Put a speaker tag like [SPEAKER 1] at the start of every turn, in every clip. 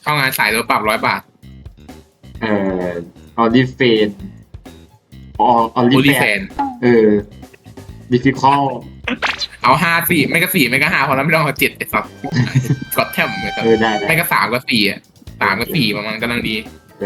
[SPEAKER 1] เข้างานสายโดนปรับ100 บาท
[SPEAKER 2] เอ่อออลิเฟนออลิ
[SPEAKER 1] โอลิ
[SPEAKER 2] แฟ
[SPEAKER 1] แฟ
[SPEAKER 2] น
[SPEAKER 1] น
[SPEAKER 2] ดิฟิคอล
[SPEAKER 1] เอา5 4ไม่ก็4ไม่ก็5พอแล้วไม่ต้องเอา7ไอ้สัสกดแทมเลยครับ
[SPEAKER 2] ได้
[SPEAKER 1] ไม่ก็3ก็4อ่ะ3ก็4ประมาณกำลังดี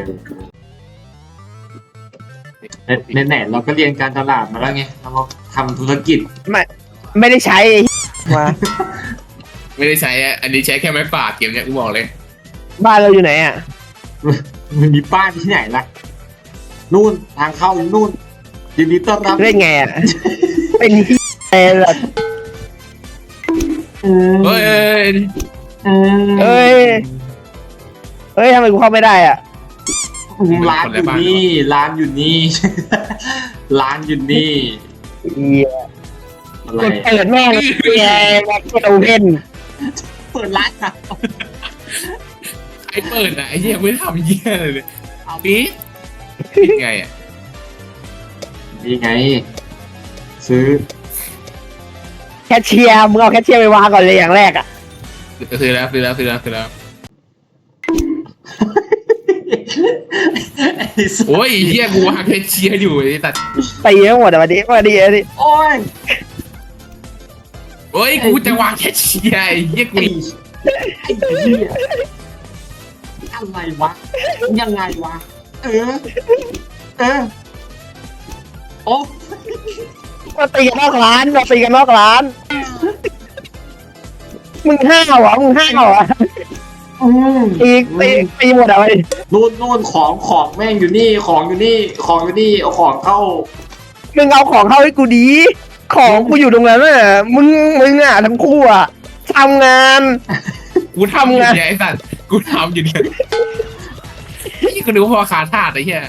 [SPEAKER 2] ไหนเราก็เรียนการตลาดมาแล้วไงเรามาทำธุรกิจ
[SPEAKER 3] ไม่ได้ใช้มา
[SPEAKER 1] ไม่ได้ใช้อันนี้ใช้แค่ไม้ปาดเกมเนี้ยกูบอกเลย
[SPEAKER 3] บ้านเราอยู่ไหนอ่ะ
[SPEAKER 2] มันมีป้ายที่ไหนล่ะนู่นทางเข้านู่นยินดีต้อนรับ
[SPEAKER 3] เล่นไงอ่ะ เป็นที่อะไรล่ะ
[SPEAKER 1] เฮ้ย
[SPEAKER 3] เอ้ยทำไมกูเข้าไม่ได้อ่ะ
[SPEAKER 2] ร้านอยู่นี่ร้านอยู่นี่ ร้านอยู่นี่
[SPEAKER 3] เหี้ย
[SPEAKER 2] อะไร
[SPEAKER 3] เปิดแม่งเหี้ยแม็กซ์โอเพน
[SPEAKER 2] เปิดร้านอ่ะ
[SPEAKER 1] ไอ้เปิดอ่ะไอ้เหี้ยไม่ทำเหี้ยเลยเอาปี๊ดไงอ่ะ
[SPEAKER 2] นี่ไง ซื้อ
[SPEAKER 3] แคชเชียร์มึงเอาแคชเชียร์ไปวางก่อนเลยอย่างแรกอ่ะ
[SPEAKER 1] ซื้อแล้ว โอ้ยเหี้ยกูวางแค่เชียร์อยู่ไอ้ตัด
[SPEAKER 3] ตีทั้งหมดอ่ะวันนี้
[SPEAKER 2] โอ้ย
[SPEAKER 1] โอ้ยกูจะวางแค่เชียร์ไอ้เหี้ยกู
[SPEAKER 2] ไอ้เหี้ยอะไรวะยังไงวะโอ้
[SPEAKER 3] มาตีกันนอกร้านมึงห้าวเหรอตีหมดอ่ะวันนี้
[SPEAKER 2] นู่นของแม่งอยู่นี่ของอยู่นี่เอาของเข้า
[SPEAKER 3] มึงเอาของเข้าให้กูดีของกูอยู่ตรงนั้นอ่ะมึงอ่ะทั้งคู่อ่ะทำงาน
[SPEAKER 1] กูทำอยู่เนี่ยไอ้สัตว์กูทำอยู่เนี่ยนี่กูนึกว่าพอขาทาดไอ้เหี้ย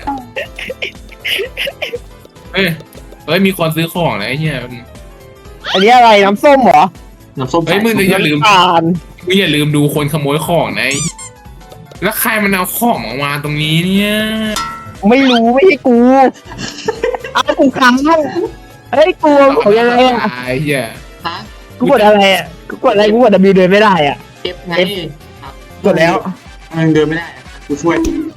[SPEAKER 1] เฮ้ยมีคนซื้อของนะไอ้เหี้ย
[SPEAKER 3] อันนี้อะไรน้ำส้มเหรอ
[SPEAKER 2] น้ำส้ม
[SPEAKER 1] เฮ้ยมึงอย่าลืม
[SPEAKER 3] น้ำตาล
[SPEAKER 1] มึงอย่าลืมดูคนขโมยของนะไอ้แล้วใครมันเอาของมาวางตรงนี้เนี่ย
[SPEAKER 3] ไม่รู้ไม่ใช่กูเอากูค้ำเฮ้ยกูของยังไงอ่ะ
[SPEAKER 1] ไอ้เหี้ย
[SPEAKER 2] ฮะ
[SPEAKER 3] กูกดอะไรอ่ะกูกดW เดินไม่ได้อ่ะ
[SPEAKER 2] F ไง
[SPEAKER 3] กดแล้ว
[SPEAKER 2] มันเดินไม่ได้กูช่วย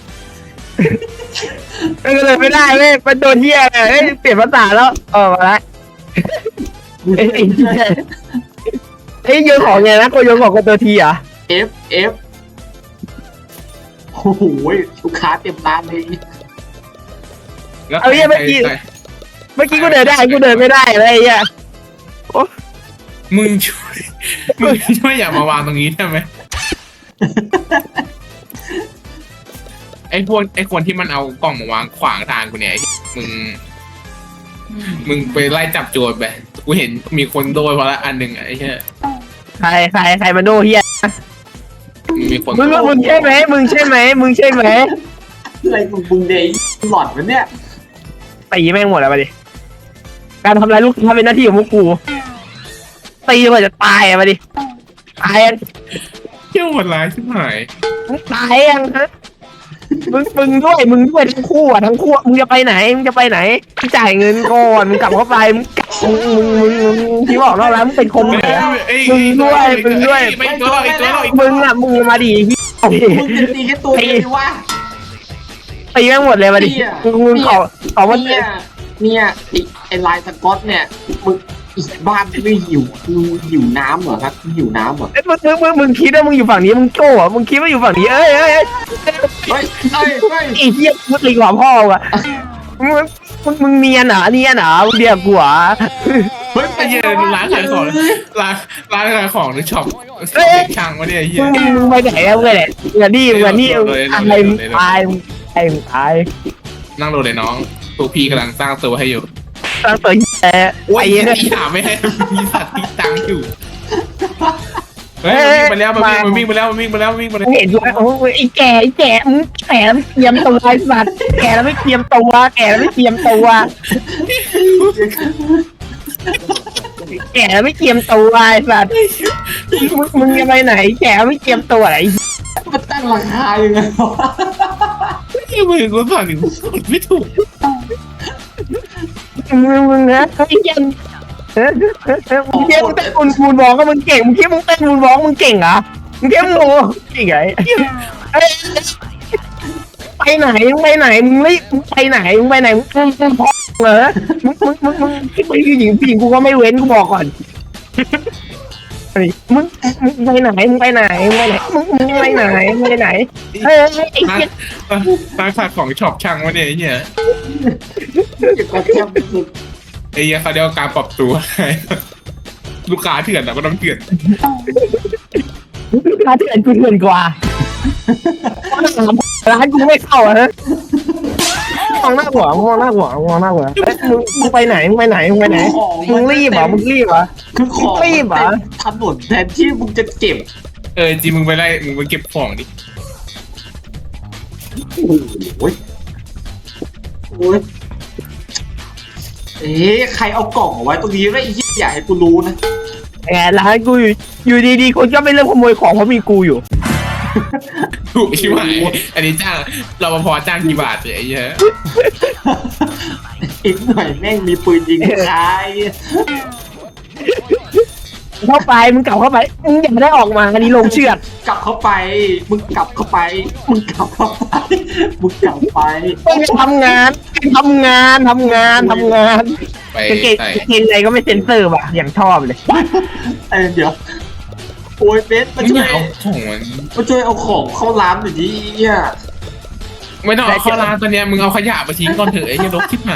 [SPEAKER 3] เดินไม่ได้เว้ยมันโดนเหี้ยเฮ้ยเปลี่ยนภาษาแล้วมาละเฮ้ยโยนของไงนะกูโยนของกับตัวทีอ่ะ
[SPEAKER 2] F โอ้โหลูกค้าเต็มร้านเลย
[SPEAKER 3] เอาเหี้ยเมื่อกี้กูเดินได้กูเดินไม่ได้อะไรอย่างเงี้ย
[SPEAKER 1] มึงช่วยอย่ามาวางตรงนี้ได้ไหมไอ้คนที่มันเอากล่องมาวางขวางทางกูเนี่ยมึงไปไล่จับโจรไปกูเห็นมีคนโดนเพราะละอันหนึ่งไอ้เหี้ย
[SPEAKER 3] ใครมาโดเฮีย
[SPEAKER 1] มีคน
[SPEAKER 3] มึงใช่ไหม
[SPEAKER 2] อะไรมึงเดย์หลอดวะเนี่ย
[SPEAKER 3] ตีแม่งหมดแล้วมาดิการทำลายลูกค้าเป็นหน้าที่ของพวกกูตีกว่าจะตายมาดิตาย
[SPEAKER 1] เที่ยวหมดร้ายชิบหาย
[SPEAKER 3] มึงตายยังฮะมึงด้วยทั้งคู่มึงจะไปไหนมึงจ่ายเงินก่อนมึงกลับเข้าไปมึงที่บอกแล้วมึงเป็นคนไหนมึงด้วย
[SPEAKER 1] ไม่ตัวอีกตัวอีก
[SPEAKER 3] มึงมาดิ
[SPEAKER 2] มึงจะตีแค่ตัวเดียววะ
[SPEAKER 3] ตีแม่งหมดเลยมาดิมึงขอมา
[SPEAKER 2] เนี่ยไอ้ลายสก๊อตเนี่ยมึงอีกบ้านไม่หิวน้ำเหรอครับหิวน้ำเหรอ
[SPEAKER 3] มึงคิดว่ามึงอยู่ฝั่งนี้มึงโก้เหรอมึงคิดว่าอยู่ฝั่งนี้เอ้ย
[SPEAKER 2] เฮ้ย
[SPEAKER 3] ไอ้เหี้ยมึงตีกว่าพ่อว่ะมึงเนียนเหรอเดี๋ยวกูอ่ะ
[SPEAKER 2] เฮ้ย
[SPEAKER 1] ไอ้เหี้ยร้านขายของร้านขายของหรือช็อปช่างวะเนี่ยไอ้เหี้ย
[SPEAKER 3] มึงไปไหนแล้วมึงเนี่ยเงินนี่อะไรมึงตาย
[SPEAKER 1] นั่งรถเลยน้องตัวพี่กำลังสร้างตัวให้อยู่
[SPEAKER 3] ตั้งตัว
[SPEAKER 1] โอ้ย
[SPEAKER 3] ไอ้เนี่ย
[SPEAKER 1] พี่ถามไม่ให้มีสัตว์ที่ตังอยู่เฮ้ยมันวิ่งไปแล้ว
[SPEAKER 3] เห็นด้วยโอ้ยไอ้แก่มึงแก่แล้วไม่เตรียมตัวไอ้สัตว์แก่แล้วไม่เตรียมตัวแก่แล้วไม่เตรียมตัวไอ้สัตว์มึงจะไปไหนแก่ไม่เตรียมตัวอะไร
[SPEAKER 2] มันตั้งราคายังไงวะ
[SPEAKER 1] ที่มือกูสั่นอยู่ไม่ถูก
[SPEAKER 3] มึงนะไอ้ยันมึงเต้นมูนวอล์กก็มึงเก่งมึงคิดมึงเต้นมูนวอล์กมึงเก่งเหรอมึงแค่โมยังไงเอ้ยไปไหนมึงไปไหนมึงรีบมึงไปไหนมึงไปไหนมึงพอเหรอมึงผู้หญิงกูก็ไม่เว้นกูบอกก่อนมึงไปไหนมึงไปไหนมึงไปไหนมึงไปไหนมึงไปไหนเฮ้ยไอ้เหี้ย
[SPEAKER 1] ตั้งขายของช็อปช่างวะเนี่ยไอ้เหี้ย
[SPEAKER 2] เก็บกระเทียมสุด
[SPEAKER 1] ไอ้เหี้ยเขาเรียกว่าการปรับตัว ลูกค้าเถื่อนอะก็ต้องเถื่อน
[SPEAKER 3] ร้านที่อื่นกูเถื่อนกว่าร้านกูไม่เข้าอะฮะมองหน้าหัวมองหน้าหัวมองหน้าหัวมึงไปไหนมึงไปไหนมึงไปไหนมึงรีบเหรอมึงรีบเหรอ
[SPEAKER 2] คือของ
[SPEAKER 3] รีบเหรอ
[SPEAKER 2] ถนนแทนที่มึงจะเก็บ
[SPEAKER 1] จริงมึงไปไล่มึงไปเก็บของดิ
[SPEAKER 2] โอ้ยโอ้ยใครเอากล่องเอาไว้ตรงนี้ไม่อยากให้กูรู้นะ
[SPEAKER 3] แหมร้านกูอยู่ดีๆคนก็ไม่เริ่มขโมยของเพราะมีกูอยู่
[SPEAKER 1] ถูกใช่ไหมอันนี้จ้างรปภจ้างกี่บาทเนี่ยไอ้เหี้ย
[SPEAKER 2] อีกหน่อยแม่งมีปืนยิงใคร
[SPEAKER 3] เข้าไปมึงกลับเข้าไปมึงอย่าได้ออกมาอันนี้ลงเชือด
[SPEAKER 2] กลับเข้าไปมึงกลับเข้าไปมึงกลับเข้าไปมึงกลับไป
[SPEAKER 3] ต้องทำงานทำงาน
[SPEAKER 1] ไป
[SPEAKER 3] กางเกง
[SPEAKER 1] ใส่
[SPEAKER 3] กางเกงในก็ไม่เซ็นเซอร์ว่ะอย่างชอบเลย
[SPEAKER 2] เดี๋ยวโอ้ยเบสมา
[SPEAKER 1] ไม่
[SPEAKER 2] ช่วย
[SPEAKER 1] เอาของมัน
[SPEAKER 2] มาช่วยเอาของเข้าร้านหน่อยดิเนี่ย
[SPEAKER 1] ไม่ต้องเอาเข้าร้านตอนเนี้ยมึงเอาขยะไปทิ้งก่อนเถอะไอ้เหี้ยรกชิบหาย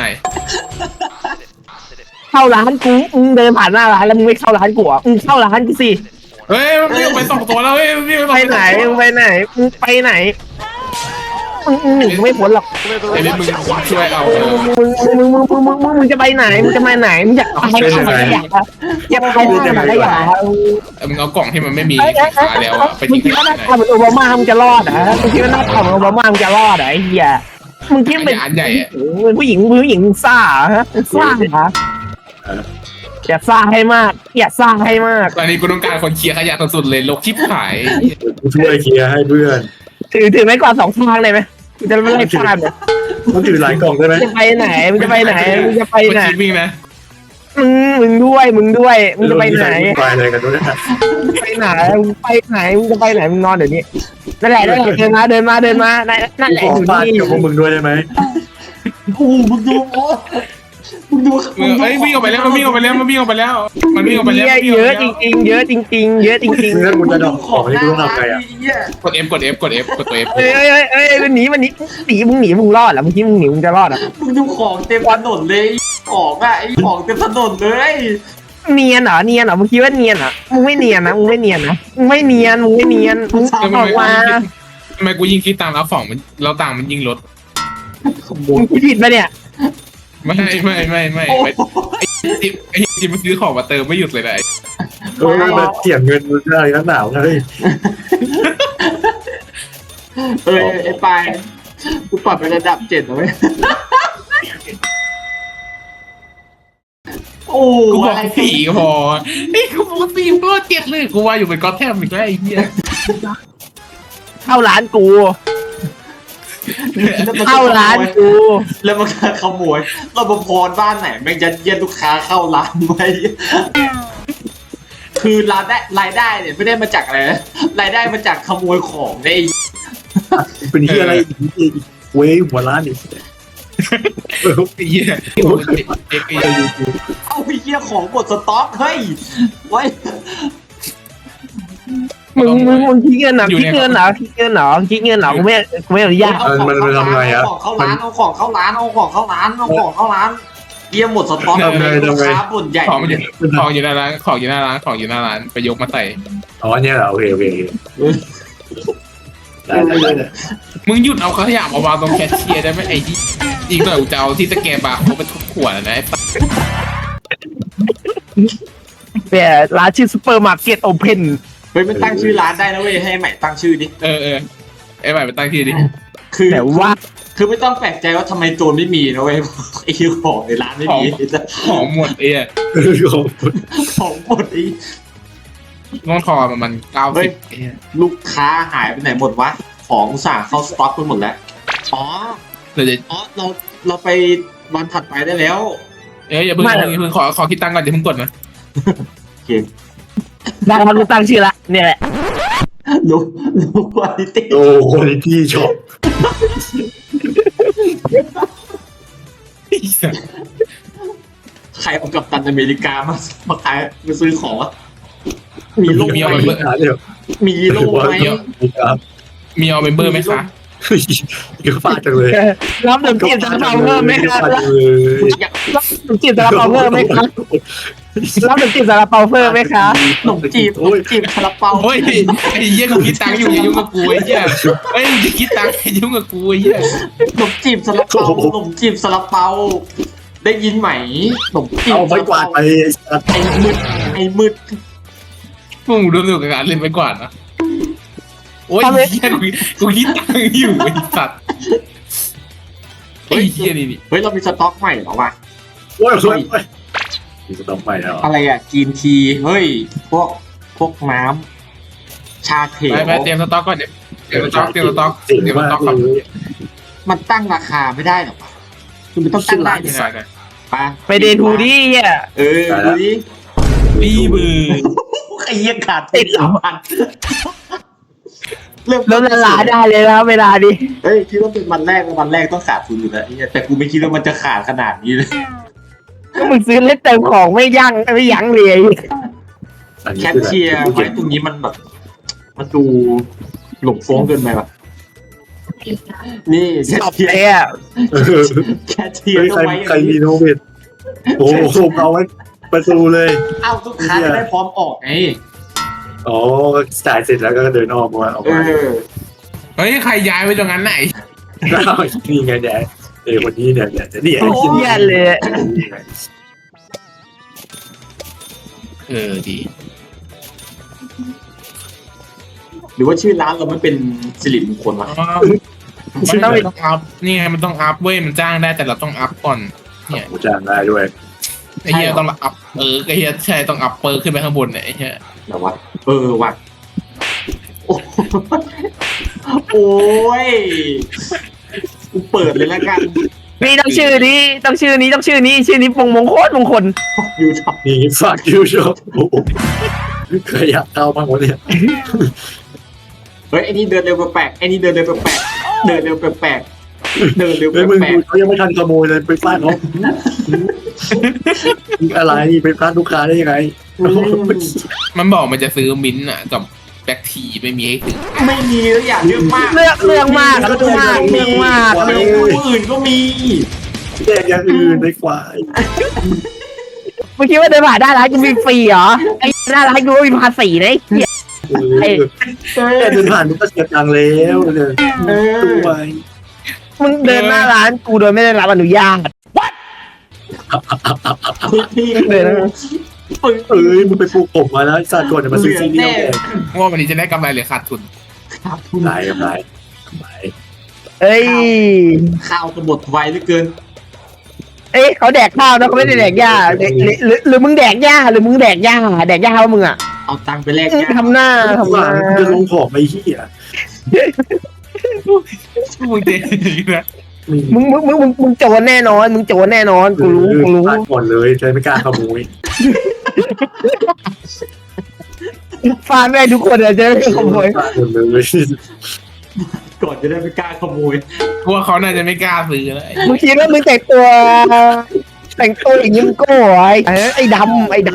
[SPEAKER 3] เข้าร้านกูมึงเดินผ่านหน้าร้านแล้วมึงไม่เข้าร้านกูอ่ะมึงเข้าร้านกูสิ
[SPEAKER 1] เฮ้ยมันวิ่งไป2 ตัวแล้วเฮ้ยมันวิ่ง
[SPEAKER 3] ไปไหนมึงไปไหนมึงไปไหนมึงหนีกูไม่พ้นหรอก
[SPEAKER 1] ไอ้เบสมึงช่วยเอา
[SPEAKER 3] มึงจะไปไหนมึงจะไปไหนมึงอยากไปไหนอยากไปไหนอยาก
[SPEAKER 1] มึงเอากล่องที่มันไม่มี
[SPEAKER 3] ไอ้
[SPEAKER 1] สินค้าแล้วอะไป
[SPEAKER 3] มึง
[SPEAKER 1] ทิ้ง
[SPEAKER 3] คิดว่าห
[SPEAKER 1] ไห
[SPEAKER 3] น้าน ตาเหมือนโอบามามึงจะรอดเหรอมึงคิดว่าหน้าตาเหมือนโอบามามึงจะรอดเหรอไอ้เหี้ยมึงคิดเป็น
[SPEAKER 1] อันใหญ่อะ
[SPEAKER 3] เป็นผู้หญิงซ่าฮะซ่าเหรออย่าซ่าให้มากอย่าซ่าให้มาก
[SPEAKER 1] ตอนนี้กูต้องการคนเคลียร์ขยะสุดๆเลยรกชิบหาย
[SPEAKER 4] กูช่วยเคลียร์ให้เพื่อน
[SPEAKER 3] ถือไม้กวาด2 ทางเลยไหมกูจะไม่ไล่ฟาดเนี่ย
[SPEAKER 4] ต้องถือหลายกล่องได้ไหม
[SPEAKER 3] จะไปไหนมึงจะไปไหนมึงจะไปไหน
[SPEAKER 1] มันคิดวิ่งนะ
[SPEAKER 3] มึงด้วยมึงจะไปไหน
[SPEAKER 4] ไปอะไรกันด้วยนะ
[SPEAKER 3] ไปไหนมึงไปไหนมึงจะไปไหนมึงนอนเดี๋ยวนี้นั่นแหละเดินมานั่นแหละ
[SPEAKER 4] ขอ
[SPEAKER 3] อยู่
[SPEAKER 4] ฟาด
[SPEAKER 3] นี่
[SPEAKER 4] กับพวกมึงด้วยได้ไหม
[SPEAKER 2] โอ้มึงดูมึงดู
[SPEAKER 1] เฮ้ยวิ่งออกไปแล้วมันวิ่งออกไปแล้วมันวิ่งออกไปแล้วมันวิ่งออกไปแล้ว
[SPEAKER 3] เยอะจริงเยอะจริง
[SPEAKER 4] ถ้ากูจะดอกของนี่กูต้องทำไงอ่ะ
[SPEAKER 1] กด F กด F กด F กดตัว F
[SPEAKER 3] เอ้ยมันหนีมึงรอดเหรอมึงคิดมึงจะรอดเหรอ
[SPEAKER 2] มึงดูของเต็มถนนเลยของอะไอ้ของเต็มถนนเลย
[SPEAKER 3] เนียนเหรอมึงคิดว่าเนียนเหรอมึงไม่เนียนมึงออกมา
[SPEAKER 1] ทำไมกูยิงคิดตามแล้วฝั่งมันเราต่างมันยิงรถ
[SPEAKER 3] มึงผิดปะเนี่ย
[SPEAKER 1] ไม่ไอ้จิมมันซื้อของมาเติมไม่หยุดเลยนะ
[SPEAKER 4] มาเถียงเงินมึงได้นักหนาวเลย
[SPEAKER 2] ไอ้ปลายกูปรับไประดับ7แล้วเว้ยโอ้
[SPEAKER 1] กูบอก4ก็พอไอ้กูบอก4ก็7เลยกูว่าอยู่เป็นก๊อตแทมอีกแล้วไอ้เหี้ย
[SPEAKER 3] เข้าร้านกู
[SPEAKER 2] แล้วมันขโมยรปภบ้านไหนแม่งยัดเยียดลูกค้าเข้าร้านไว้คือรายได้เนี่ยไม่ได้มาจากอะไรนะรายได้มาจากขโมยของไอ้
[SPEAKER 4] เป็นที่อะไรเว้ยหัวร้านอีก
[SPEAKER 1] ไอ้เหี้ยไอ้
[SPEAKER 2] เอาไอ้เหี้ยของหมดสต็อกเฮ้ยไว้
[SPEAKER 3] มึงคิดเงินเหรอกูไม่อนุญาต
[SPEAKER 4] มันทำไงอ่ะ
[SPEAKER 2] เอาของเข้าร้านเยี่ยมหมดสต็อกลูกค้าบ่นใหญ่
[SPEAKER 1] ของอยู่หน้าร้านไปยกมาใส่
[SPEAKER 4] อ๋อเนี่ยเหรอโอเคได้
[SPEAKER 1] มึงหยุดเอาขยะมาวางตรงแคชเชียร์ได้ไหมไอ้ที่อีกหน่อยกูจะเอาที่สแกนบาร์เขาไปทุบขวดนะไอ้
[SPEAKER 3] แต่ร้านชื่อซูเปอร์มาร์เก็ตโอเพน
[SPEAKER 2] เฮ้ยมันตั้งชื่อร้านได้นะเว้ยให้ใหม่ตั้งชื่อดิ
[SPEAKER 1] ไอ้ใหม่ไปตั้งที่ดิ
[SPEAKER 3] แต่ว่า
[SPEAKER 2] คือไม่ต้องแปลกใจว่าทำไมโจรไม่มีนะเว้ยไอ้ของในร้านไม่มี
[SPEAKER 1] ของหมด
[SPEAKER 2] ของหมดไอ้
[SPEAKER 1] น้องทอมัน90
[SPEAKER 2] ลูกค้าหายไปไหนหมดวะของสั่งเข้าสต็อกไปหมดแล้วเราไปวันถัดไปได้แล้ว
[SPEAKER 1] อย่าเพิ่งขอคิดตังค์ก่อนอย่าเพิ่งกดนะ
[SPEAKER 2] โอเค
[SPEAKER 3] ได้ครับรู้ตั้งชื่อละเนี่ยแหละ
[SPEAKER 2] ดูคุณภาพ
[SPEAKER 4] โอ้คุณภาพช็อป
[SPEAKER 1] ไอ้สัส
[SPEAKER 2] ใครเอากัปตันอเมริกามาขายมาซื้อของวะมีโล่
[SPEAKER 1] มี
[SPEAKER 2] ไห
[SPEAKER 1] เอา
[SPEAKER 2] ม
[SPEAKER 1] เมมเบอร์
[SPEAKER 4] เดี๋ยว
[SPEAKER 2] มีโล่ไหม
[SPEAKER 1] มีเอาเมมเบอร์ไหมคะ
[SPEAKER 4] เยอะฟาดจังเลย
[SPEAKER 3] รับหนึ่งจีบซาลาเปาเพิ่มไหมครับ
[SPEAKER 4] ฟาดจังเลย
[SPEAKER 3] รับหนึ่งจีบซาลาเปาเพิ่มไหมครับรับหนึ่งจีบซาลาเปาเพิ่มไหมครับ
[SPEAKER 2] ขนมจีบซาลาเปา
[SPEAKER 1] โอ้ยไอ้เหี้ยกูคิดตังค์อยู่อย่ายุ่งกับกูไอ้เหี้ยเฮ้ยมึงจะคิดตังค์อย่ายุ่งกับกูไอ้เหี้ย
[SPEAKER 2] ขนมจีบซาลาเปาขนมจีบซาลาเปาได้ยินไหมขนมจีบ
[SPEAKER 4] เอาไม่กวาดไปไอ้สัตว์
[SPEAKER 2] ไอ้มืด
[SPEAKER 1] พวกมึงรู้สึกกับการเล่นไปกว่านะโอ้ยเหี้ยกูคิดตังค์อยู่ไอ้สัตว์ไอ้เหี้ยนี่
[SPEAKER 2] เฮ้ยเรามีสต็อกใหม่เหรอวะ
[SPEAKER 4] โอ้ยสวยมีสต็อกไปแล้ว
[SPEAKER 2] อะไรอะกินทีเฮ้ยพวกน้ำชาเขียว
[SPEAKER 1] ไปเตรียมสต็อกก่อนเตรียมสต็อก
[SPEAKER 4] เจ๋ง
[SPEAKER 1] ก่
[SPEAKER 4] มา
[SPEAKER 1] อน
[SPEAKER 4] กเลย
[SPEAKER 2] มันตั้งราคาไม่ได้หรอคือมันต้องตั้งได้ยังไงปะ
[SPEAKER 3] ไปเดทูดี้อ่ะ
[SPEAKER 2] ดูดิ
[SPEAKER 1] พี่บือ
[SPEAKER 2] ไอ้เหี้ยขาดติด3,000
[SPEAKER 3] ลดละลายได้เลยนะเวลาดิ
[SPEAKER 2] เฮ้ยคิดว่าเป็นวันแรกต้องขาดทุนอยู่แล้วไอ้เหี้ยแต่กูไม่คิดว่ามันจะขาดขนาดนี้เลย
[SPEAKER 3] ก็มึงซื้อเล่นเติมของไม่ยั้งเลย
[SPEAKER 2] แคชเชียร์ไว้ตรงนี้มันแบบมันดูหลงโฟ้งเกินไปว่ะนี่แคช
[SPEAKER 3] ตอบ
[SPEAKER 2] เชียร์
[SPEAKER 3] เลยอ่ะ
[SPEAKER 2] แคชเชียร์
[SPEAKER 4] เฮ้ย
[SPEAKER 2] ต้อง
[SPEAKER 4] ใคร
[SPEAKER 2] ไว้อย่าง
[SPEAKER 4] รี
[SPEAKER 2] นี้
[SPEAKER 4] โนเวทโอ้โหเอาไว้ประตูเลย
[SPEAKER 2] เอ้าลูกค้าจะได้พร้อมออกไง
[SPEAKER 4] อ๋อจ่ายเสร็จแล้วก็เดินออกมาออกมา
[SPEAKER 1] เฮ้ยใครย้ายไปตรงนั้นไหน
[SPEAKER 4] นี่ไงแดดวันนี้เนี่ยเนี่ย
[SPEAKER 3] เยี่ยเลย
[SPEAKER 1] ดี
[SPEAKER 2] หรือว่าชื่อร้านเราไม่เป็นสิริมงคลวะ
[SPEAKER 1] มันต้องอัพนี่ไงมันต้องอัพเว้ยมันจ้างได้แต่เราต้องอัพก่อนเนี่ย
[SPEAKER 4] กูจ้างได้ด้วย
[SPEAKER 1] ไอ้เหี้ยต้องอัพไอ้เหี้ยใช่ต้องอัพเปอร์ขึ้นไปข้างบนเนี่ยไอ้เหี้ย
[SPEAKER 2] แบบว่าว่ะโอ้ยกูเปิดเลยแล้วกัน
[SPEAKER 3] นี่ต้องชื่อนี้ชื่อนี้มงคล
[SPEAKER 2] อยู่ช็อป
[SPEAKER 4] นี่ฝากยูชอบโอ้โหเคยอยากเข้าบ้างวะเนี่ย
[SPEAKER 2] เฮ้ยไอ้นี่เดินเร็วแปลกๆเดินเร็วแปลกๆเดินเร็วแปลก
[SPEAKER 4] เฮ้ยมึงเขายังไม่ทันขโมยเลยไปฟาดเขาอะไรไปฟาดลูกค้าได้ยังไง
[SPEAKER 1] มันบอกมันจะซื้อมิ้นท์อ่ะกับแบคทีไม่มีให้ซื้อ
[SPEAKER 2] ๆไม่มีแล้วอย่างเรื่องมาก
[SPEAKER 3] เรื่องมากเรื่องมาก
[SPEAKER 2] เรื่องอื่นก็มี
[SPEAKER 4] แดกอย่างอื่นในควาย
[SPEAKER 3] เมื่อกี้ว่าเดินผ่านได้ร้านกูมีฟรีเหรอไอ้หน้าร้านกูมีภาษีนะไอ้
[SPEAKER 4] แค่เดินผ่านมึงก็เสียตังค์แล้วเลยตัวไป
[SPEAKER 3] มึงเดินหน้าร้านกูโดยไม่ได้รับอนุญาต
[SPEAKER 2] พี่
[SPEAKER 3] เลยนะ
[SPEAKER 4] เอ้ยมึงไปปลูกผมมาแล้วสัตว์ก่อนจะมาซื้อซีดีแดง
[SPEAKER 1] ว่าวันนี้จะได้กำไรหรือขาดทุน
[SPEAKER 2] ครับคุณ
[SPEAKER 4] ไหนกับไหน
[SPEAKER 3] เอ้ย
[SPEAKER 2] ข้าวจะหมดไวเหลือเกิน
[SPEAKER 3] เขาแดกข้าวนะเขาไม่ได้แดกหญ้าหรือมึงแดกหญ้าว่ามึงอ่ะ
[SPEAKER 2] เอาตังค์ไปแลกยา
[SPEAKER 3] ทำหน้า
[SPEAKER 4] จะลงของไอ้เหี้ย
[SPEAKER 1] มึงเจ๊นะ
[SPEAKER 3] มึงโจรแน่นอนกูรู้
[SPEAKER 4] ฟาดก่อนเลยใจไม่กล้าขโมย
[SPEAKER 3] ฟาดแม่ทุกคนจะไม่ขโมย
[SPEAKER 4] ฟาดหมดเลย
[SPEAKER 2] ก่อนจะได้ไม่กล้าขโมย
[SPEAKER 1] กลัวเขาน่าจะไม่กล้าซื้อแล้ว
[SPEAKER 3] มึงคิดว่ามึงแต่งตัวอย่างนี้มึงโก้ไอ้ดำ
[SPEAKER 4] ไอ้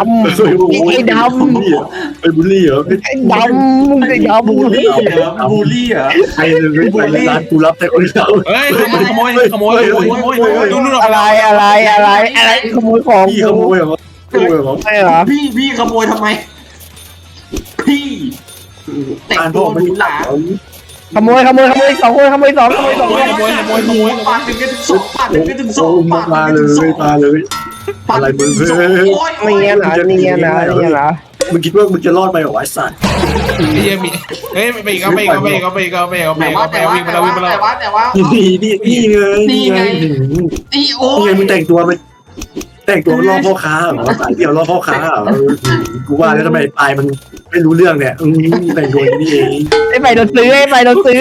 [SPEAKER 4] บุลลี่เหรอ
[SPEAKER 3] มึงไอ้ดำ
[SPEAKER 2] บูลลี่เหรอ
[SPEAKER 4] ไอ้เลยไปร้านกูรับแต่คนเดียว
[SPEAKER 1] เฮ้ยขโมยดูนู่น
[SPEAKER 3] อะไรขโมยของ
[SPEAKER 4] พี่ขโมยเหรอขโมยเหรอ
[SPEAKER 3] ใช่เหรอ
[SPEAKER 2] พี่ขโมยทำไม พี่แต่ง
[SPEAKER 4] การ
[SPEAKER 2] ตั
[SPEAKER 4] พ่อ
[SPEAKER 2] ว
[SPEAKER 4] มัน
[SPEAKER 2] หรูหรา
[SPEAKER 3] ขโมยสองคนขโมยสอง
[SPEAKER 2] ปาดถึงกันถึงสองปาดถึงกันถึงสอง
[SPEAKER 4] มา
[SPEAKER 2] ปาด
[SPEAKER 4] เล
[SPEAKER 2] ถึงกันถึงสอง
[SPEAKER 4] ยมาเลย อะไรมึง
[SPEAKER 3] เนี่ยนะ
[SPEAKER 4] มึงคิดว่ามึงจะรอดไปเหรอไอ้สัตว์
[SPEAKER 1] ไอ้เหี้ยมีเฮ้ยไปก็วิ่งมาแล้ววิ่งมาแล้ว
[SPEAKER 2] แต่ว่า
[SPEAKER 4] นี่ไง
[SPEAKER 2] นี่โอ้
[SPEAKER 4] นี่ไงมึงแต่งตัวมันล่อพ่อค้าเหรอสายเดี่ยวล่อพ่อค้าเหรอกูว่าแล้วทำไมปลายมันไม่รู้เรื่องเนี่ยแต่งตัวนี้เอง
[SPEAKER 3] ไอ้ไปโดนซื้อ
[SPEAKER 2] ซื้อ
[SPEAKER 1] กู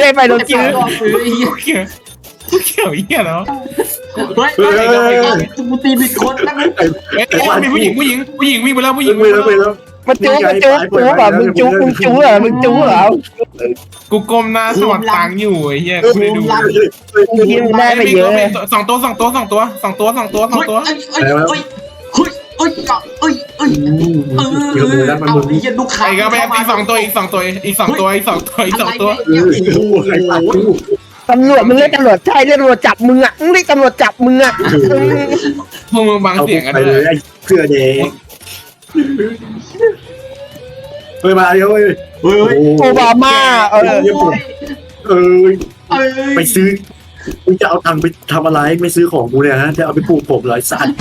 [SPEAKER 1] เขียวเหี้ยแล้ว
[SPEAKER 2] เฮ้ยกูตีผิดคนนะ
[SPEAKER 1] เฮ้ยมีผู้หญิงวิ่งไปแล้วผู้หญิง
[SPEAKER 4] ไปแล้ว
[SPEAKER 3] มันจู๊แบบมึงจู๊เหรอมึงจู๊เหรอ
[SPEAKER 1] กูก้มหน้าสวัสดตังค์อยู่ไอ้เหี้ยกูไม่ดู
[SPEAKER 3] มึงคิดมึงได้ไปเยอะ
[SPEAKER 1] สองตัว
[SPEAKER 2] เอาไอ้ยันลูกค้า
[SPEAKER 1] ไอ้ก็ไปอีกสองตัว
[SPEAKER 4] ใครตัดกู
[SPEAKER 3] ตำรวจมึงเรียกตำรวจใช่เรียกตำรวจจับมึงอ่ะมึงเรียกตำรวจจับมึงอ่ะ
[SPEAKER 1] พวกมึงบัง
[SPEAKER 4] เอา
[SPEAKER 1] เสียงกัน
[SPEAKER 4] ไป
[SPEAKER 1] เล
[SPEAKER 4] เลย
[SPEAKER 1] ย
[SPEAKER 4] ไอ้เสื้อแดงเฮ้ยมาเดี๋ยวเฮ้ย
[SPEAKER 2] เฮ้ย
[SPEAKER 3] โอบามา
[SPEAKER 4] เออไปซื้อมึงจะเอาตังค์ไปทำอะไรไม่ซื้อของกูเนี่ยฮะจะเอาไปปลูกผมเหรอไอ้สัตว์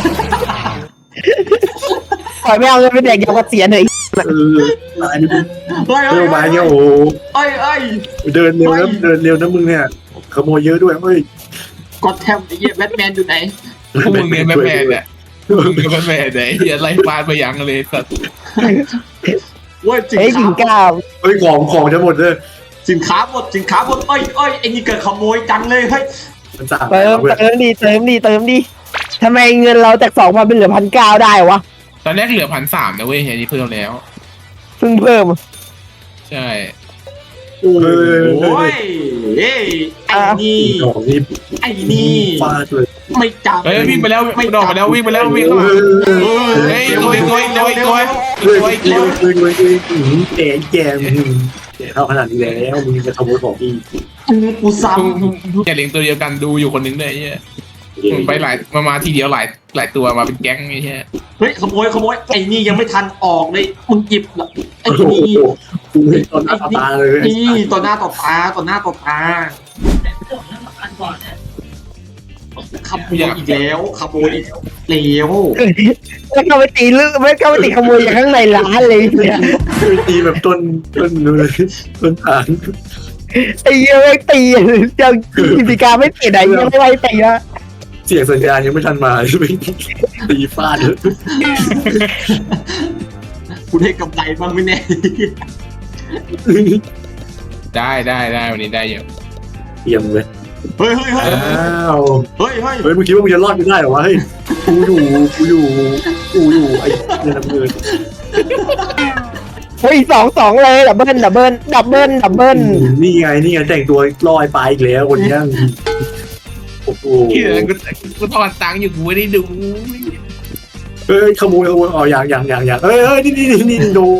[SPEAKER 3] ปล่อยไม่เอาเงินไปแดกยาเกษียณเลย
[SPEAKER 4] อันนี้มึง
[SPEAKER 2] เฮ้ย
[SPEAKER 4] เร็วมาเนี่ยโอ้
[SPEAKER 2] เฮ้ย
[SPEAKER 4] เดินเร็วนะมึงเนี่ยขโมยเยอะด้วยเฮ้ย
[SPEAKER 2] ก็แทมไอ้เหี้ยแบทแมนอยู่ไหน
[SPEAKER 1] พวกมึงเนี่ยแม่เนี่ยมึงเนี่ยแม่เนี่ยไอ้เหี้ยไล่ฟาดไปยังเลยสัตว์
[SPEAKER 2] เว้ยสิน
[SPEAKER 3] เฮ้ย
[SPEAKER 2] ค้า
[SPEAKER 3] กินก้าว
[SPEAKER 4] เฮ้ยของจะหมดเลย
[SPEAKER 2] สินค้าหมดเอ้ยไอ้นี่เกิดขโมยจังเลยเฮ้ย
[SPEAKER 4] มันสั่ง
[SPEAKER 3] เติมดีทำไมเงินเราจาก2,000เป็นเหลือ1,900ได้วะ
[SPEAKER 1] ตอนแรกเหลือ1,300นะเว้ยเฮียนี่เพิ่มแล้ว
[SPEAKER 3] เพิ่งเพิ่ม
[SPEAKER 1] ใช่
[SPEAKER 2] โอ้ยเอ้ยไอ้นี่
[SPEAKER 4] ของนี่
[SPEAKER 2] ไอ้นี่
[SPEAKER 4] ฟาดเลย
[SPEAKER 2] ไม่จับ
[SPEAKER 1] เฮ้ยวิ่งไปแล้วดอกไปแล้ววิ่งเข้ามาเฮ้ยตัว
[SPEAKER 4] เร็วแกเท่าขนาดนี้แล้วมึงจะขโมยของอีก
[SPEAKER 2] กูซ้
[SPEAKER 1] อย่าเลี้ยงตัวเดียวกันดูอยู่คนนึงเลยไอ้เฮียมึงไปมาทีเดียวหลายตัวมาเป็นแก๊งไอ้เฮีย
[SPEAKER 2] ำเฮ้ยขโมยไอ้นี่ยังไม่ทันออกเลยมึงหยิบไอ้
[SPEAKER 4] โอ้โห
[SPEAKER 2] นี่
[SPEAKER 4] กูเห็นตอนหน้าตาเลย
[SPEAKER 2] นี่ต่อหน้าต่อตาขโมยอีกแล้วขโมยอีกแล้ว
[SPEAKER 3] ไม่เข้าไปตีไม่เข้าไปตีขโมยจากข้างในร้านเลยเนี่ย
[SPEAKER 4] ตีแบบต้นเลยต้นฐาน
[SPEAKER 3] ไอ้เหี้ยไม่ตีเจ้ากิจการไม่ติดไหนยังไม่ไล่ตีนะ
[SPEAKER 4] เสียงสัญญาณยังไม่ทันมาไม่ตีฟาดเลย
[SPEAKER 2] กูได้กำไรบ้างไหมเนี่ย
[SPEAKER 1] ได้วันนี้ได้เยอะ
[SPEAKER 4] เยี่ยมเลย
[SPEAKER 2] เฮ้ย
[SPEAKER 4] อ้าว
[SPEAKER 2] เฮ้ย
[SPEAKER 4] มึงคิดว่ามึงจะรอดไม่ได้หรอวะเฮ้ยกูอยู่ไอ้เนี่ยน้ำเงิน
[SPEAKER 3] เฮ้ย2เลยดับเบิ้ล
[SPEAKER 4] นี่ไงแต่งตัวลอยไปอีกแล้วคนนี้โอ้โห
[SPEAKER 1] กูถอนตังค์อยู่กูไม่ได้ดู
[SPEAKER 4] เฮ้ยขโมยอ๋ออย่างเฮ้ยนี่โดน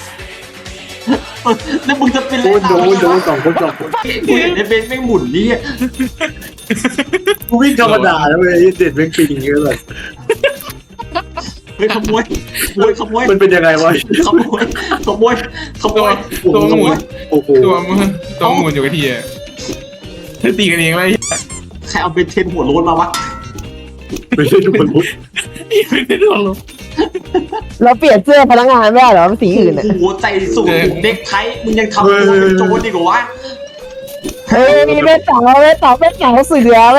[SPEAKER 2] แล้วมึงจะเป็น
[SPEAKER 4] โดนสองคน
[SPEAKER 2] กูเห็นไอ้เบนไม่หมุนนี่
[SPEAKER 4] กูวิ่งธรรมดาแล้วเว้ยเด็ดแม่งปีนอย่างเงี้ยเลย
[SPEAKER 2] เฮ้ยขโมย
[SPEAKER 4] มันเป็นยังไงวะ
[SPEAKER 2] ขโมย
[SPEAKER 1] ตัวหมุน
[SPEAKER 4] โอ้โห
[SPEAKER 1] ตัวหมุนอยู่กับทีอ่ะตีกันเองเลย
[SPEAKER 2] ใครเอาเบนเทนหัวโล้นมาวะ
[SPEAKER 4] ไม่ใช่ทุกคนรู้
[SPEAKER 1] ไม่ได้โดนลง
[SPEAKER 3] เราเปลี่ยนเสื้อพนักงานไม่ได้เหรอสีอื่นอ่ะ
[SPEAKER 2] หัวใจสูงเด็กไทยมึงยังทำตัวเป็นโจรดีกว่าวะ
[SPEAKER 3] เฮ้ยแม่สาวเสือ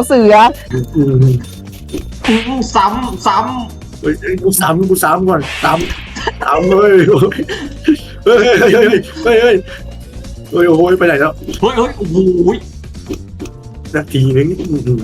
[SPEAKER 2] ซ้ำ
[SPEAKER 4] เฮ้ยกูซ้ำก่อนซ้ำเลยเฮ้ยโอ้ยไปไหนแล้ว
[SPEAKER 2] เฮ้ยโอ้โห
[SPEAKER 4] นาทีนึง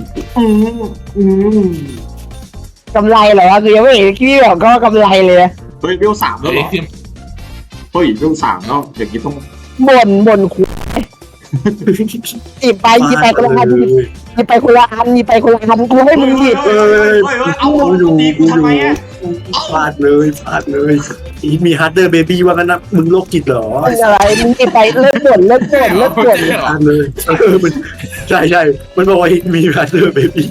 [SPEAKER 3] กำไรเหรอคือยังไม่เห็นกี้บอกก็กำไรเลย
[SPEAKER 2] เฮ้ยเวล3แล้วเหรอเฮ้ยเวล3แล้วอย่างนี้ต้อง
[SPEAKER 3] บ่นคุหยิบไปคนละอันหยิบไปคนละอันกูให้มึงหยิบ
[SPEAKER 2] เฮ้ยเอาดีกูทำไมอ่ะ
[SPEAKER 4] ฟาดเลยมีฮาร์ดเดอร์เบบี้ว่ากันนะมึงโรคจิตเหรอ
[SPEAKER 3] อะไรมึงหยิบไปเลิกบ่น
[SPEAKER 4] ฟาดเลยมันใช่มันบอกว่ามีฮาร์ดเดอร์เบบี้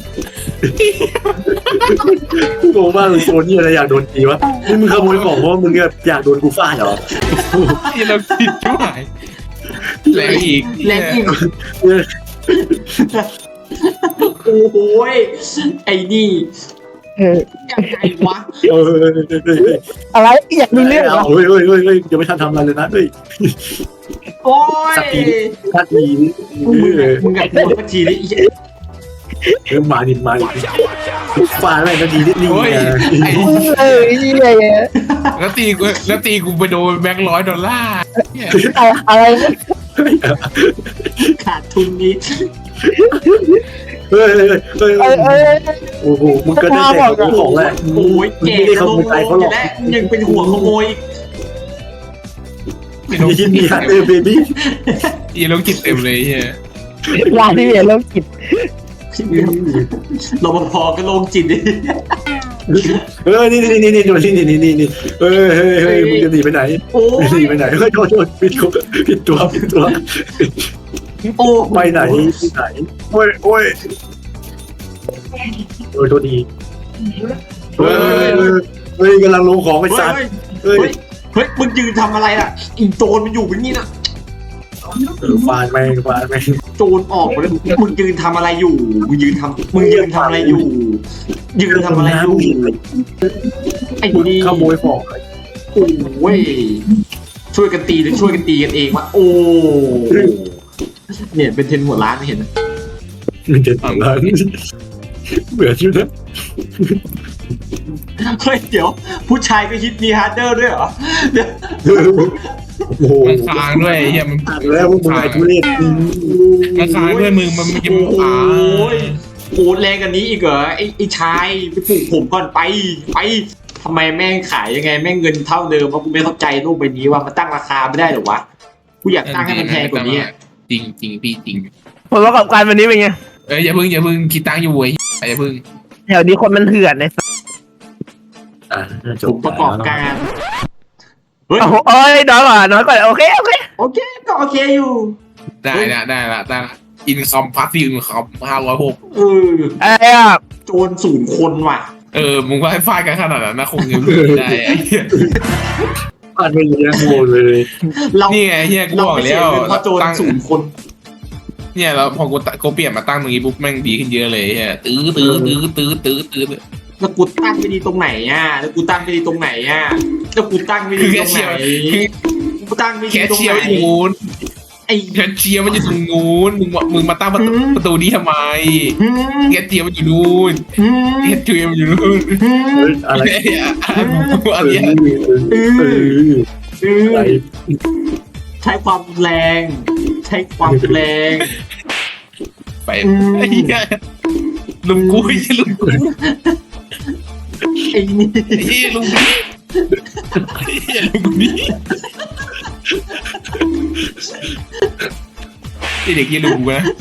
[SPEAKER 4] กูบอกว่าโซนี่อะไรอยากโดนตีวะนี่มึงขโมยของเพราะมึงอยากโดนกูฟาดเหรอ
[SPEAKER 1] ที่เราผิดช่วยแรงอีก
[SPEAKER 2] โอ้โหไอ้นี่ยังไงวะ
[SPEAKER 3] อะไรอยากมีเรื่องเหรอ
[SPEAKER 4] เฮ้ยยังไม่ทันทำอะไรเลยนะเฮ้ย
[SPEAKER 2] โอ้ย
[SPEAKER 4] ทัดดี
[SPEAKER 2] มึงอยากโดนสักทีดิ
[SPEAKER 4] มาดิฟาดอะไรนาทีนิดนึง
[SPEAKER 3] นี่เลย
[SPEAKER 1] แล้วตีกูไปโดนแบงค์$100
[SPEAKER 3] อะไร
[SPEAKER 2] ขาดทุนนี้
[SPEAKER 4] เฮ้ยโอ้โหมึงก็ได้แต่ของแหละ
[SPEAKER 2] โอ้ยแก
[SPEAKER 4] ไม่ได้ขโมยใจเขาหรอก
[SPEAKER 2] และยังเป็นหัวขโมย
[SPEAKER 4] ยินดีฮันเตอร์เบบี้
[SPEAKER 1] อีโรคจิตเต็มเลยเฮีย
[SPEAKER 3] ร้านที่มีโรคจิต
[SPEAKER 2] รปภก็โลงจิตดิ
[SPEAKER 4] นี่ดูนี่เฮ้ยมึงจะหนีไปไหน
[SPEAKER 2] โอ้
[SPEAKER 4] หนีไปไหนเฮ้ยโทษผิดตัว
[SPEAKER 2] โอ้
[SPEAKER 4] ไปไหนโอ้ยโทษดีเฮ้ยกำลังลงของไปสัตว์เฮ้ย
[SPEAKER 2] เฮ้ยมึงยืนทำอะไรอ่ะอีโจรมันอยู่แบบนี้นะ
[SPEAKER 4] ฟาดแม่ง
[SPEAKER 2] โจรออกมาเลยมึงยืนทำอะไรอยู่มึงยืนทำอะไรอยู่ยืนทำอะไรอยู่ไอ้นี่
[SPEAKER 4] ขโมยของ
[SPEAKER 2] โอ้ยช่วยกันตีหรือช่วยกันตีกันเองวะโอ้เนี่ยเป็นเทนหัวร้านไม่เห็นนะ
[SPEAKER 4] มันจะถึงแล้วเบื่อชิวนะ
[SPEAKER 2] เฮ้ยเดี๋ยวผู้ชายก็ฮิตมีฮาร์ดเดอร์ด้วยเหรอเดี๋ยว
[SPEAKER 4] โอ้โห
[SPEAKER 1] มันค้างด้วยเฮียมัน
[SPEAKER 4] แล้วมึงไอ้ทุเรศ
[SPEAKER 1] มันค้างด้วยมึงมันไม่กิน
[SPEAKER 2] โอ้
[SPEAKER 1] ค้าง
[SPEAKER 2] ยโหดแรงกันนี้อีกเหรอไอ้ชายไปปลูกผมก่อนไปทำไมแม่งขายยังไงแม่งเงินเท่าเดิมวะกูไม่เข้าใจโลกใบนี้ว่ามันตั้งราคาไม่ได้หรอวะกูอยากตั้งให้มันแพงกว่านี้
[SPEAKER 1] จริงพี่จริง
[SPEAKER 3] ผลประกอบการวันนี้เป็นไง
[SPEAKER 1] อย่าเพิ่งคิดตังค์อยู่เว้ยอย่าเพิ่ง
[SPEAKER 3] แถวนี้คนมันเถื่อนเลย
[SPEAKER 2] ผมประกอบการเฮ้ย
[SPEAKER 3] โอ้โหเอ้ยน้อยกว่าโอเค
[SPEAKER 2] โอเคก็โอเคอยู่
[SPEAKER 1] ได้ละอินคอมพาสซีฟอินคอม506
[SPEAKER 2] เออ
[SPEAKER 3] ไอ้อะ
[SPEAKER 2] โจร0 คนว่ะ
[SPEAKER 1] มึงว่าให้ฟาดกันขนาดนั้นนะคงยังไม่ได้
[SPEAKER 4] พลาดไม่เยอะโง่เลย
[SPEAKER 2] เรา
[SPEAKER 1] นี่ไงเฮียกู
[SPEAKER 2] เรา
[SPEAKER 1] บอก
[SPEAKER 2] ไม่เสี
[SPEAKER 1] แล้
[SPEAKER 2] ยว เงินเพราะโจร0 คน
[SPEAKER 1] เนี่ยแล้วพอกูเปลี่ยนมาตั้งตรงนี้ปุ๊บแม่งดีขึ้นเยอะเลยเฮียตื้อ
[SPEAKER 2] แล้วกูตั้งไม่ดีตรงไหนอ่ะแล้วกูตั้งไม่ดีตรงไหนอ่ะแล้วกูตั้งไม่ดีตรงไหนกูตั้งไม่ดี
[SPEAKER 1] แคช
[SPEAKER 2] ตรง
[SPEAKER 1] เชี
[SPEAKER 2] ไห
[SPEAKER 1] ย
[SPEAKER 2] น
[SPEAKER 1] ร์อยู่นู้น
[SPEAKER 2] ไอ้
[SPEAKER 1] แคชเชียร์มันอยู่ตรงนู้นมึงมาตั้งประตูนี้ทำไมแคชเชียร์มันอยู่นู้นแคชเชียร์มันอยู่นู้น
[SPEAKER 4] อะไร
[SPEAKER 1] อะไร
[SPEAKER 4] อะไร
[SPEAKER 2] ใช้ความแรง
[SPEAKER 1] ไปลุงกูลุงกู
[SPEAKER 2] ไอ้นี่
[SPEAKER 1] ลุงนี่เด็กยี่ลุงกูนะ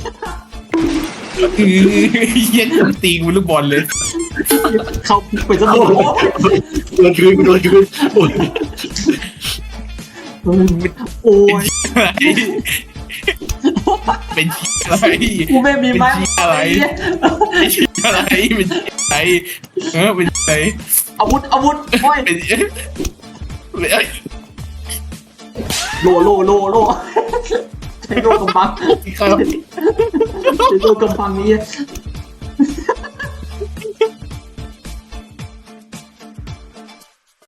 [SPEAKER 1] เย็นตีกูลูกบอลเลย
[SPEAKER 2] เข้าไปซะหมด
[SPEAKER 4] โดนคืน
[SPEAKER 2] โอ้ย
[SPEAKER 1] เป็นอะไร
[SPEAKER 2] กูไม่มีไม้
[SPEAKER 1] อะไรเป็นอะไรเป็นอะไร
[SPEAKER 2] อาวุธโอ้ย
[SPEAKER 1] เป็น
[SPEAKER 2] โลใช้โลกำบัง
[SPEAKER 1] ครับ
[SPEAKER 2] ใช้โลกำบังนี้